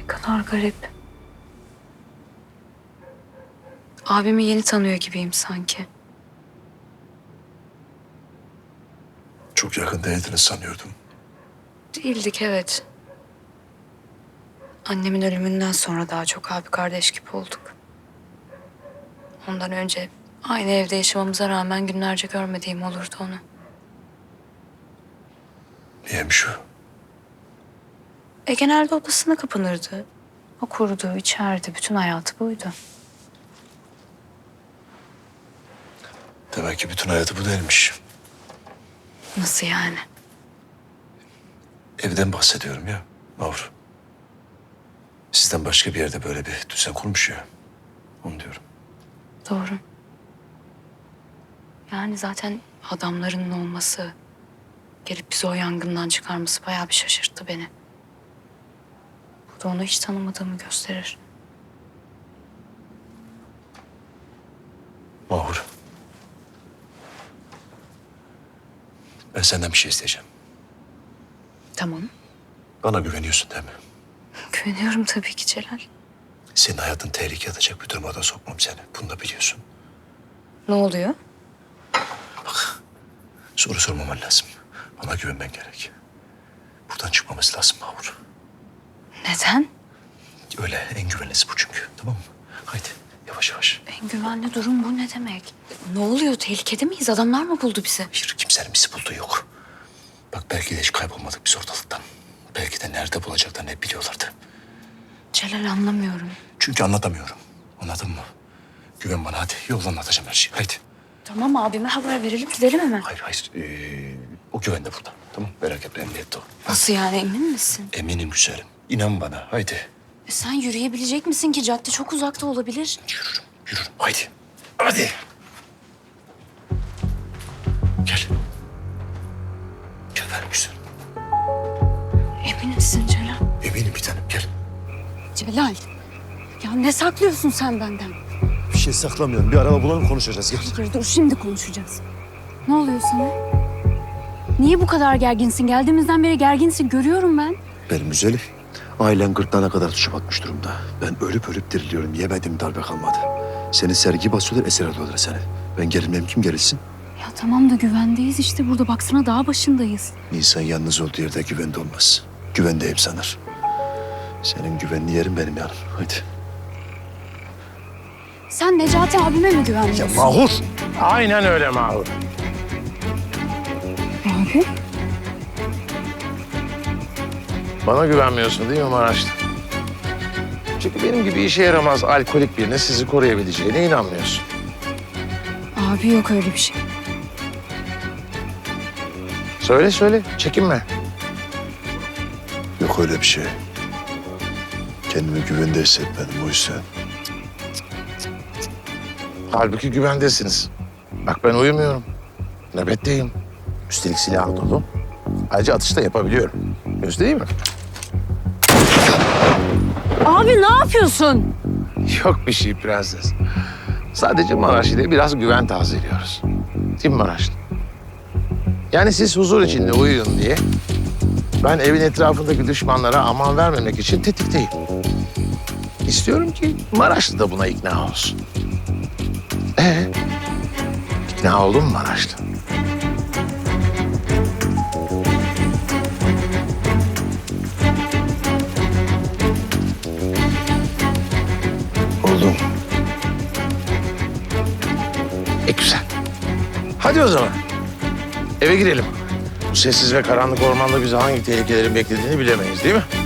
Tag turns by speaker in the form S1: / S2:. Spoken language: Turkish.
S1: Ne kadar garip. Abimi yeni tanıyor gibiyim sanki.
S2: Çok yakın değildiniz sanıyordum.
S1: Değildik, evet. Annemin ölümünden sonra daha çok abi kardeş gibi olduk. Ondan önce aynı evde yaşamamıza rağmen günlerce görmediğim olurdu onu.
S2: Niyeymiş o?
S1: Genelde odasına kapanırdı. Okurdu, içerdi. Bütün hayatı buydu.
S2: Demek ki bütün hayatı bu değilmiş.
S1: Nasıl yani?
S2: Evden bahsediyorum ya Mahur. Sizden başka bir yerde böyle bir düzen kurmuş ya. Onu diyorum.
S1: Doğru. Yani zaten adamlarının olması, gelip bizi o yangından çıkarması bayağı bir şaşırttı beni. Bu da onu hiç tanımadığımı gösterir.
S2: Mahur. Ben senden bir şey isteyeceğim.
S1: Tamam.
S2: Bana güveniyorsun değil mi?
S1: Güveniyorum tabii ki Celal.
S2: Senin hayatın tehlikeye atacak bir duruma da sokmam seni. Bunu da biliyorsun.
S1: Ne oluyor?
S2: Soru sormaman lazım. Bana güvenmen gerek. Buradan çıkmamız lazım Mahur.
S1: Neden?
S2: Öyle en güvenlisi bu çünkü. Tamam mı? Haydi yavaş yavaş.
S1: En güvenli durum bu ne demek? Ne oluyor? Tehlikede miyiz? Adamlar mı buldu bizi?
S2: Hayır, kimsenin bizi bulduğu yok. Bak belki de hiç kaybolmadık biz ortalıktan. Belki de nerede bulacaklarını hep biliyorlardı.
S1: Celal, anlamıyorum.
S2: Çünkü anlatamıyorum. Anladın mı? Güven bana hadi. Yoldan anlatacağım her şeyi. Haydi.
S1: Tamam, abime haber verelim, gidelim hemen.
S2: Hayır hayır. O güven de burada. Tamam merak etme emniyette o.
S1: Nasıl yani, emin misin?
S2: Eminim güzelim. İnan bana haydi.
S1: Sen yürüyebilecek misin ki? Cadde çok uzakta olabilir.
S2: Yürürüm yürürüm. Haydi. Hadi. Gel. Gel ver güzelim.
S1: Emin misin Celal?
S2: Eminim bir tanem gel.
S1: Celal, ya ne saklıyorsun sen benden?
S2: Bir şey saklamıyorum. Bir araba bulalım konuşacağız. Gel.
S1: Hayır, dur, şimdi konuşacağız. Ne oluyor sana? Niye bu kadar gerginsin? Geldiğimizden beri gerginsin, görüyorum ben.
S2: Benim güzelim. Ailen gırtlağına kadar tuşa batmış durumda. Ben ölüp ölüp diriliyorum. Yemediğim darbe kalmadı. Seni sergi basıyorlar, esir alıyorlar seni. Ben gerilmem, kim gerilsin?
S1: Ya tamam da güvendeyiz işte burada. Baksana, dağ başındayız.
S2: İnsan yalnız olduğu yerde güvende olmaz. Güvendeyim sanır. Senin güvenli yerin benim yanım. Hadi.
S1: Sen Necati abime mi güvenmiyorsun?
S2: Mahur!
S3: Aynen öyle Mahur.
S1: Abi?
S3: Bana güvenmiyorsun değil mi Maraşlı? Çünkü benim gibi işe yaramaz alkolik birine sizi koruyabileceğine inanmıyorsun.
S1: Abi yok öyle bir şey.
S3: Söyle söyle, çekinme.
S2: Yok öyle bir şey. Kendimi güvende hissetmedim o yüzden.
S3: Halbuki güvendesiniz. Bak ben uyumuyorum. Nöbetteyim. Üstelik silah dolu. Ayrıca atış da yapabiliyorum. Değil mi?
S1: Abi ne yapıyorsun?
S3: Yok bir şey prenses. Sadece Maraşlı ile biraz güven tazeliyoruz. Değil mi Maraşlı? Yani siz huzur içinde uyuyun diye ben evin etrafındaki düşmanlara aman vermemek için tetikteyim. İstiyorum ki Maraşlı da buna ikna olsun. İkna oldun mu Maraşlı?
S2: Oldum.
S3: Güzel. Hadi o zaman. Eve girelim. Bu sessiz ve karanlık ormanda bizi hangi tehlikelerin beklediğini bilemeyiz değil mi?